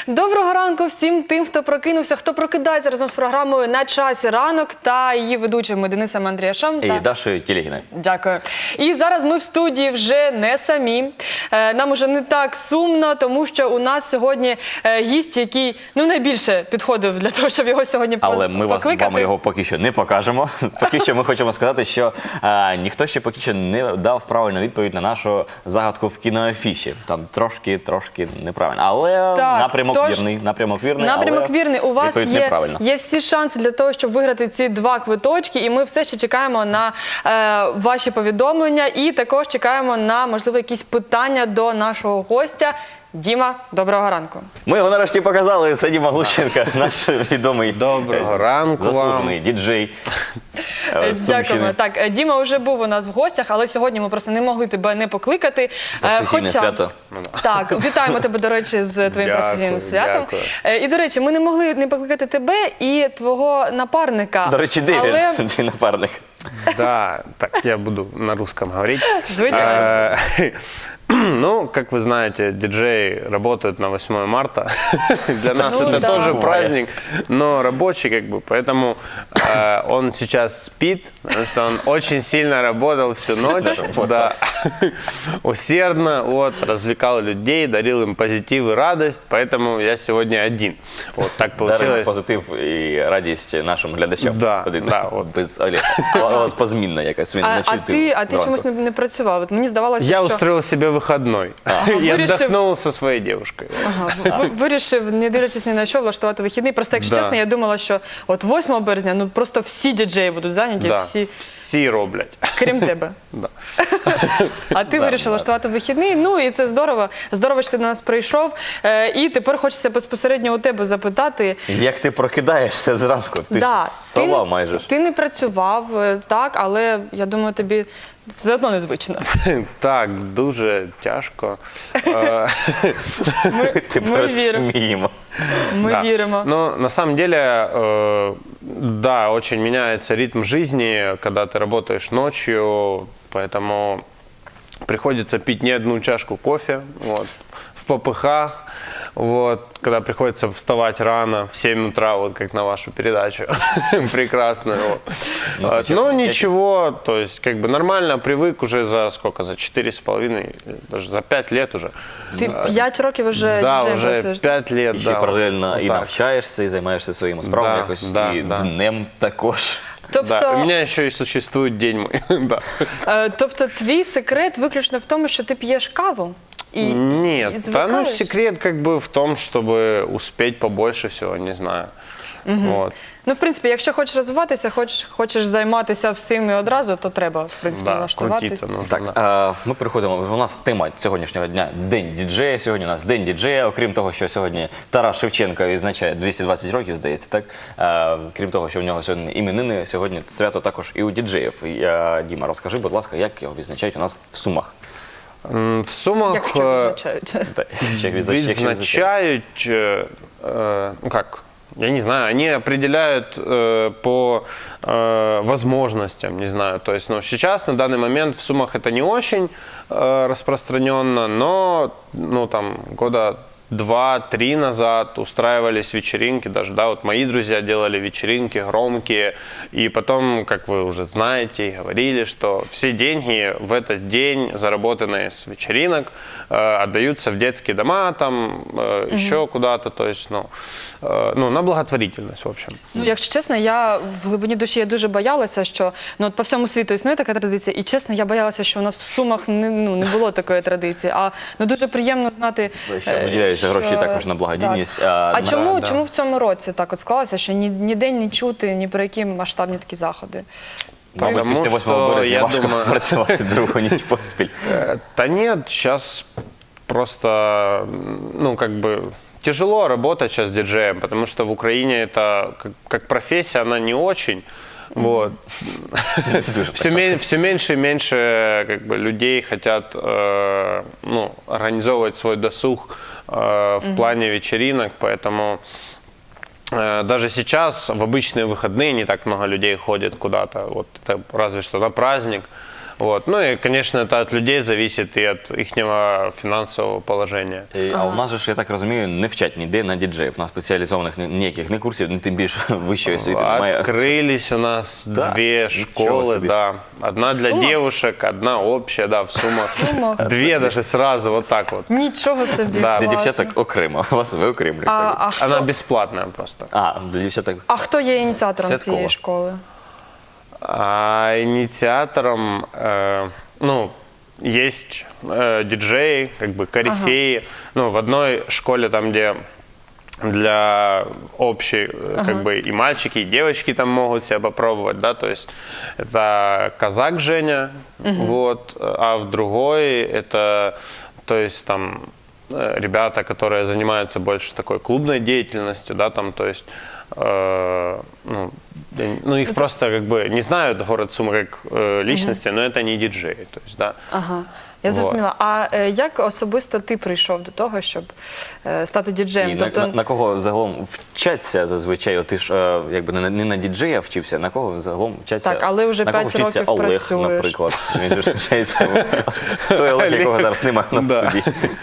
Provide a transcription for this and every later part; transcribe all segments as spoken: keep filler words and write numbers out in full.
Доброго ранку всім тим, хто прокинувся, хто прокидається разом з програмою «На часі ранок» та її ведучими Денисом Андріашем. І та... Дашою Тілегіною. Дякую. І зараз ми в студії вже не самі. Нам уже не так сумно, тому що у нас сьогодні гість, який ну, найбільше підходив для того, щоб його сьогодні покликати. Але ми вас, вам його поки що не покажемо. Поки що ми хочемо сказати, що а, ніхто ще поки що не дав правильну відповідь на нашу загадку в кіноафіші. Там трошки-трошки неправильно. Але так, напрямок тож, вірний. Напрямок вірний, напрямок але вірний. У вас є, є всі шанси для того, щоб виграти ці два квиточки. І ми все ще чекаємо на е, ваші повідомлення. І також чекаємо на, можливо, якісь питання до нашого гостя. Діма, доброго ранку. Ми його нарешті показали. Це Діма Глущенко, наш відомий доброго ранку заслужений діджей. Дякуємо. Так, Діма вже був у нас в гостях, але сьогодні ми просто не могли тебе не покликати. Професійне Хоча... свято. Так, вітаємо тебе, до речі, з твоїм дякую, професійним святом. Дякую. І, до речі, ми не могли не покликати тебе і твого напарника. До речі, де але... він, твій напарник? Да, так, я буду на русском говорить. Звичайно. Ну, как вы знаете, диджеи работают на восьмое марта. Для нас ну, это да. тоже праздник, но рабочий, как бы, поэтому э, он сейчас спит, потому что он очень сильно работал всю ночь, да, усердно, вот, развлекал людей, дарил им позитив и радость, поэтому я сегодня один. Вот так получилось. Дарив позитив і радість нашим глядачам. Да, Один. да, от. Без Олега. У вас позмінна якась. Він А, вночі, а ти, а ти зранку. чомусь не, не працював? От мені здавалося, Я що... устроил себе выходной и Вырежем- отдохнул со своей девушкой. Ага, ви- вирішив, не дивлячись ні на що, влаштувати вихідний. Просто, якщо Да. чесно, я думала, що от восьмого березня ну просто всі діджеї будуть зайняті, Да, всі, всі роблять. крім тебе. Да. А ти Да, вирішив да. влаштувати вихідний, ну і це здорово. Здорово, що ти до нас прийшов. Е, і тепер хочеться безпосередньо у тебе запитати. Як ти прокидаєшся зранку? Ти Да, ж сова ти, майже. ж. Ти не працював, е, так, але я думаю, тобі все одно незвично. Так, дуже тяжко. Е, Ми, Тепер ми віримо. сміємо. Ми да. віримо. Но на самом деле, э, да, очень меняется ритм жизни, когда ты работаешь ночью, поэтому приходится пить не одну чашку кофе, вот, в попыхах, вот, когда приходится вставать рано, в семь утра, вот как на вашу передачу, прекрасную. Вот. Ну, Вот, хотя бы Но на пять. ничего, то есть как бы нормально привык уже за сколько, за четыре с половиной, даже за пять лет уже. Ти п'ять років вже Да, діджеєм уже працюєш. пять лет, І ще да. паралельно вот і так. навчаєшся, і займаєшся своїми справами Да, якось, да, і да. днем також. Тобто, Да, у меня еще и существует день мой. Да. е, тобто твій секрет виключно в тому, що ти п'єш каву? І, і Нет, да, ну звикаєш? секрет как бы в том, чтобы успеть побольше всего, не знаю. Вот. Ну, в принципі, якщо хочеш розвиватися, хочеш, хочеш займатися всім і одразу, то треба, в принципі, Да, налаштуватися. крутиться нужно. Так, да. е, ми переходимо. У нас тема сьогоднішнього дня – День діджея. Сьогодні у нас День діджея. Окрім того, що сьогодні Тарас Шевченко відзначає двісті двадцять років, здається, так? Е, крім того, що в нього сьогодні іменини, сьогодні свято також і у діджеїв. І, е, Діма, розкажи, будь ласка, як його відзначають у нас в Сумах? М, В Сумах Якщо э, визначають. Та, ще відзнач- якщо відзначають, э, э, ну как, я не знаю, они определяют э, по э, возможностям, не знаю. То есть, ну, сейчас, на данный момент в Сумах это не очень э, распространенно, но, ну, там, года два-три назад устраивались вечеринки, даже, да, вот мои друзья делали вечеринки громкие, и потом, как вы уже знаете и говорили, что все деньги в этот день, заработанные с вечеринок, э, отдаются в детские дома, там, э, еще куда-то, то есть, ну, э, ну, на благотворительность, в общем. Ну, якщо чесно, я в глибині душі я дуже боялася, що ну, от по всьому світу існує така традиція, і чесно, я боялася, що у нас в Сумах не, ну, не було такої традиції. А ну, дуже приємно знати, Що е, виділяються що- гроші також на благодійність. Так. А, А на- чому, да. чому в цьому році так от склалося, що ні, ніде не чути, ні про які масштабні такі заходи? Мабуть, Потому після восьмого що, березня я важко думаю- працювати другу ніч поспіль. Э, Да нет, сейчас просто, ну, как бы, тяжело работать сейчас диджеем, потому что в Украине это, как, как профессия, она не очень. Вот. Дуже Все, ме- все меньше и меньше как бы, людей хотят э, ну, организовывать свой досуг э, в плане вечеринок, поэтому э, даже сейчас в обычные выходные не так много людей ходит куда-то, вот это разве что на праздник. Вот. Ну и, конечно, это от людей зависит и от их финансового положения. І, А у нас же ж, я так розумію, не вчать ніде на діджеїв. У нас спеціалізованих ні- ніяких не курсів, ні тим більше вищої освіти немає. Открылись у нас Да, две ничего школы, себе. да. Одна для Сумах? девушек, одна общая, да, в Сумах. Сумах. Две даже сразу, вот так вот. Нічого собі. Да. Для класно. дівчаток окремо, вас ви окремлюєте. А, а, Она хто, бесплатная просто. А, для дівчаток. а хто є ініціатором Святкова. цієї школи? А инициатором, э, ну, есть э, диджеи, как бы корифеи. Ну, в одной школе, там, где для общей, э, как бы и мальчики, и девочки там могут себя попробовать, да, то есть это казак Женя, вот, а в другой это, то есть там э, ребята, которые занимаются больше такой клубной деятельностью, да, там, то есть, э, ну, я- ну, их просто как бы не знают город Сумы как э, личности, но это не диджеи, то есть, да. Ага. Я Вот. зрозуміла. А е, як особисто ти прийшов до того, щоб е, стати діджеєм? І на, на, на кого загалом вчаться зазвичай? От ти ж е, якби не, на- не на діджея вчився, на кого загалом вчаться? Так, але вже на кого п'ять вчиться років Олег, працюєш. наприклад. Він же ж вчається. Той Олег, якого зараз немає на Да. студії.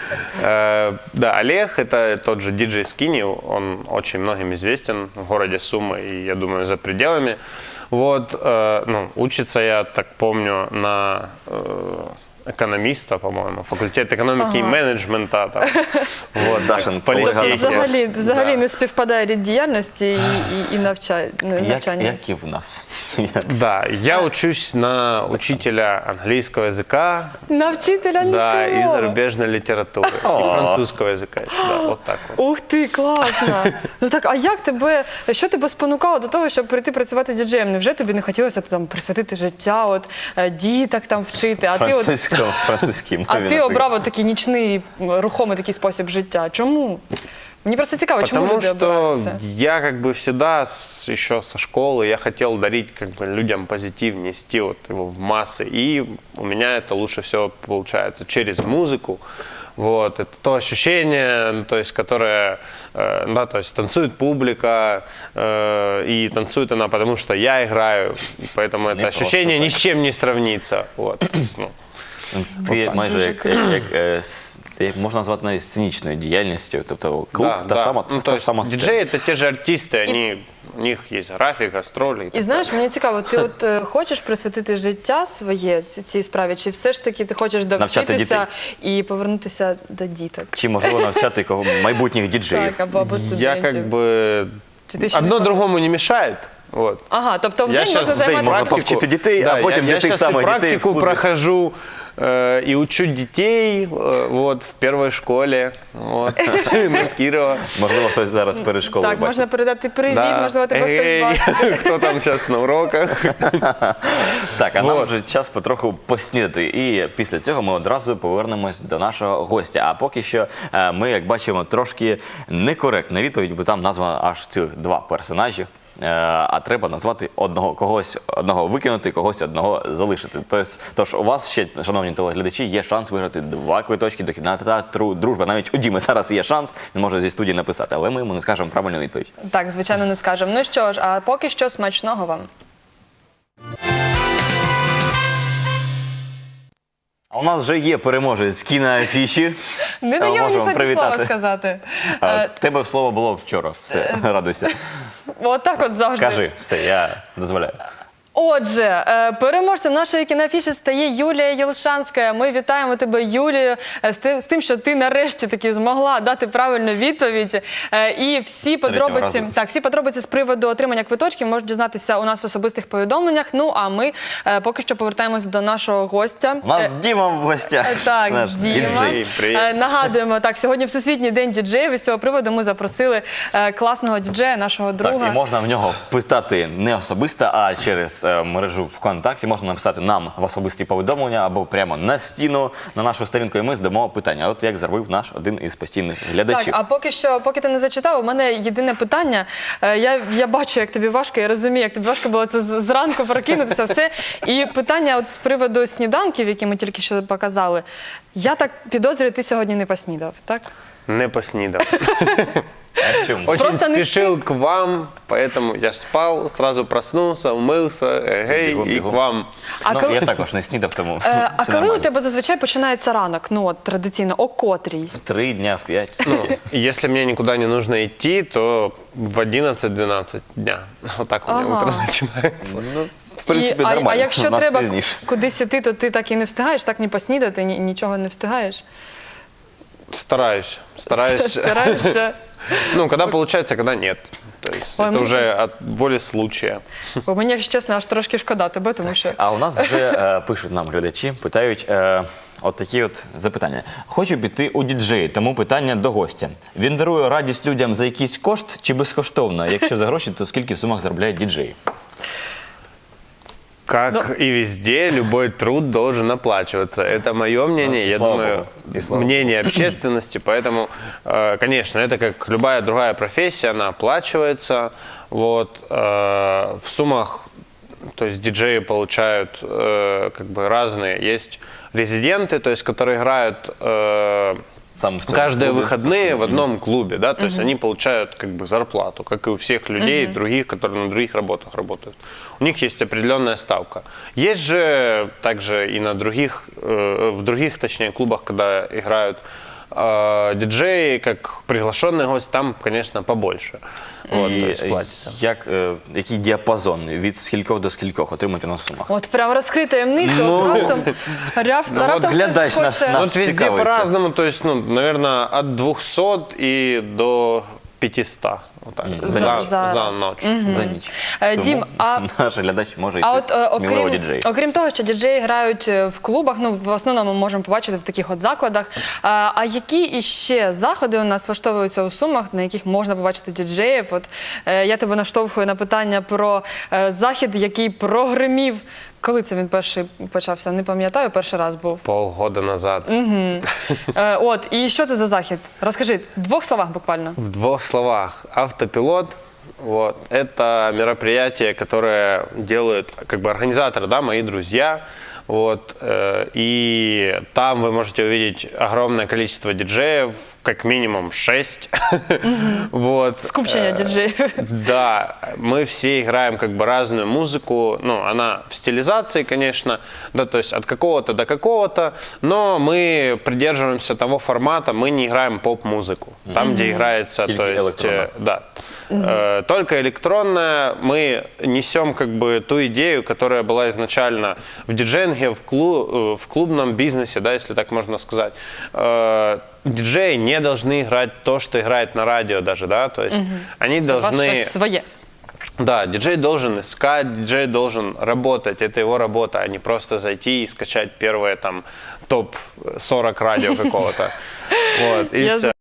Э, Да, Олег — это тот же диджей Скини, он очень многим известен в городе Сумы и, я думаю, за пределами. Вот, э, ну, учится, я так помню, на э, экономиста, по-моему, факультет экономики и менеджмента. Там. Вот, так, Дашин в политехе. колега. Взагалі, взагалі Да. не співпадає рід діяльності і, і, і навча- Як, навчання. як і в нас. Я- Да, я учусь на учителя английского языка, На вчителя да, англійської и мови. зарубежной литературы, и французского языка еще, да, вот так вот. Ух ти, класно! Ну так, а як тебе, що тебе спонукало до того, щоб прийти працювати діджеєм? Невже тобі не хотілося там присвятити життя, от е, діток там вчити, а ти от Французькому, французькій мові. а ти наприклад. обрав от такий нічний м, рухомий такий спосіб життя? Чому? Мені просто цікаво, чому Потому люди что обирають це? я как бы всегда с- еще со школы я хотел дарить как бы людям позитив, нести вот его в массы. И у меня это лучше всего получается через музыку. Вот, это то ощущение, ну, то есть, которое, э, да, то есть танцует публика, э, и танцует она, потому что я играю, и поэтому это просто ощущение ни так. с чем не сравнится. Вот, то есть, ну, Це майже Дуже як, як, як, е, с- це як можна назвати навіть сценічною діяльністю. Тобто клуб да, та да. сама, Ну, та то есть, сама сцена. диджеи — это те же артисты, они, у них есть график, гастроли. І знаєш, мені цікаво, ти от е, хочеш присвятити життя своє ці- цій справі, чи все ж таки ти хочеш Навчати довчитися і повернутися до діток? Чи можливо навчати кого майбутніх діджеїв? Так, або, або студентів. Я как бы... Чи ти ще не Одно пробував? другому не мешает. Вот. Ага, тобто в Я день можна щас в день займатися... можна повчити дітей, а Да, потім я, для я тих щас и самих дітей в практику клубі. прохожу э, и учу детей э, вот, в первой школе вот, на Кирова. Можливо, хтось зараз перед школою Так, бачить. можна передати привіт, Да. можливо, тебе Эй, хтось бачить. кто там сейчас на уроках? Так, а нам Вот. вже час потроху поснідати. І після цього ми одразу повернемось до нашого гостя. А поки що е, ми, як бачимо, трошки некоректна відповідь, бо там названо аж цілих два персонажі. Е, А треба назвати одного когось одного викинути, когось одного залишити. Тобто, тож у вас ще, шановні телеглядачі, є шанс виграти два квиточки до кінотеатру «Дружба». Навіть у Діми зараз є шанс, він може зі студії написати, але ми йому не скажемо правильну відповідь. Так, звичайно, не скажемо. Ну що ж, а поки що смачного вам. А у нас вже є переможець кіноафіші. Не Е, дає мені можемо сьогодні привітати. слова сказати. А, Е, Тебе слово було вчора. Все, радуйся. Отак от завжди. Кажи, все, я дозволяю. Отже, е, переможцем нашої кіноафіші стає Юлія Єлшанська. Ми вітаємо тебе, Юлію, е, з тим, з тим, що ти нарешті таки змогла дати правильну відповідь. Е, І всі подробиці, разу. так, всі подробиці з приводу отримання квиточків можуть дізнатися у нас в особистих повідомленнях. Ну, а ми е, поки що повертаємось до нашого гостя. У нас Діма в гостях. Е, Так, Наш Діма. діджей. Привіт. Е, Нагадуємо, так, сьогодні Всесвітній день діджеїв, і з цього приводу ми запросили е, класного діджея, нашого друга. Так, і можна в нього питати не особисто, а через е, мережу ВКонтакті. Можна написати нам в особисті повідомлення або прямо на стіну, на нашу сторінку, і ми здамо питання. От як зробив наш один із постійних глядачів. Так, а поки що, поки ти не зачитав, у мене єдине питання. Е, Я, я бачу, як тобі важко, я розумію, як тобі важко було це з- зранку прокинутися, все. І питання от з приводу сніданків, які ми тільки що показали. Я так підозрюю, ти сьогодні не поснідав, так? Не поснідав. А чому? Очень Просто не спешил к вам, поэтому я ж спал, сразу проснулся, умылся, эгей, Бігом, и к бігом. вам. А Ну, коли- я також не снідав, тому Е, А все коли у нормально. тебе зазвичай починається ранок? Ну от традиційно, о котрій? В три дня, в п'ять. Ну, если мне никуда не нужно идти, то в одиннадцать-двенадцать дня. Вот так у меня Ага. утро начинается. Ну, в принципі, І- а, нормально. а якщо У нас треба пізніше. кудись іти, то ти так і не встигаєш, так ні поснідати, ні, нічого не встигаєш? Стараюсь, стараюсь. Стараєшся? Ну, когда получается, когда нет. То есть Ой, это мы- уже от воли случая. Бо мені, якщо чесно, аж трошки шкода тебе, тому що А у нас вже е, пишуть нам глядачі, питають е, от такі от запитання. Хочу піти у діджеї, тому питання до гостя. Він дарує радість людям за якийсь кошт чи безкоштовно? Якщо за гроші, то скільки в сумах заробляють діджеї? Как и везде, любой труд должен оплачиваться. Это мое мнение, Ну, я слава думаю, богу. И слава мнение общественности. Поэтому, э, конечно, это как любая другая профессия, она оплачивается. Вот, э, в суммах, то есть диджеи получают э, как бы разные. Есть резиденты, то есть которые играют э, Сам в цьому каждые клубі? выходные в одном клубе, да, то есть они получают как бы зарплату, как и у всех людей других, которые на других работах работают. У них есть определенная ставка. Есть же также и на других, э, в других, точнее, клубах, когда играют э, диджеи, как приглашенный гость, там, конечно, побольше. Вот, І то есть платится. як, е, який діапазон від скількох до скількох отримують у нас в сумах? от прям розкрий таємницю, Ну, от раптом, ряв, ну, от раптом хтось глядач наш хоче- на- Ну, вот везде цікавиться. по-разному, то есть, ну, наверное, от двухсот и до пятисот. Вот так, Мгм. за, За- за, за- ночь. За ніч. Е, Тому Дім, а- наш глядач може йти А от е, сміливо окрім, діджеї. окрім того, що діджеї грають е, в клубах, ну в основному ми можемо побачити в таких от закладах. А, а які іще заходи у нас влаштовуються у Сумах, на яких можна побачити діджеїв? От е, я тебе наштовхую на питання про е, захід, який прогримів. Коли це він перший почався? Не пам'ятаю, перший раз був. Полгода назад. Е, от і що це за захід? Розкажи в двох словах буквально. В двух словах. Автопилот. Вот. Это мероприятие, которое делают как бы организаторы, да, мои друзья. Вот, э, и там вы можете увидеть огромное количество диджеев, как минимум шесть. Вот. Скупчення Э, діджеїв. Да, мы все играем как бы разную музыку, ну, она в стилизации, конечно, да, то есть от какого-то до какого-то, но мы придерживаемся того формата, мы не играем поп-музыку, там, где играется, Только то есть, электронная. э, да, Э, только электронная, мы несем как бы ту идею, которая была изначально в диджейнге, в, клу- э, в клубном бизнесе, да, если так можно сказать. Э, Диджеи не должны играть то, что играет на радио даже, да, то есть они У вас должны... щось своє. Да, диджей должен искать, диджей должен работать, это его работа, а не просто зайти и скачать первое там топ сорок радио какого-то. Вот, и Я все.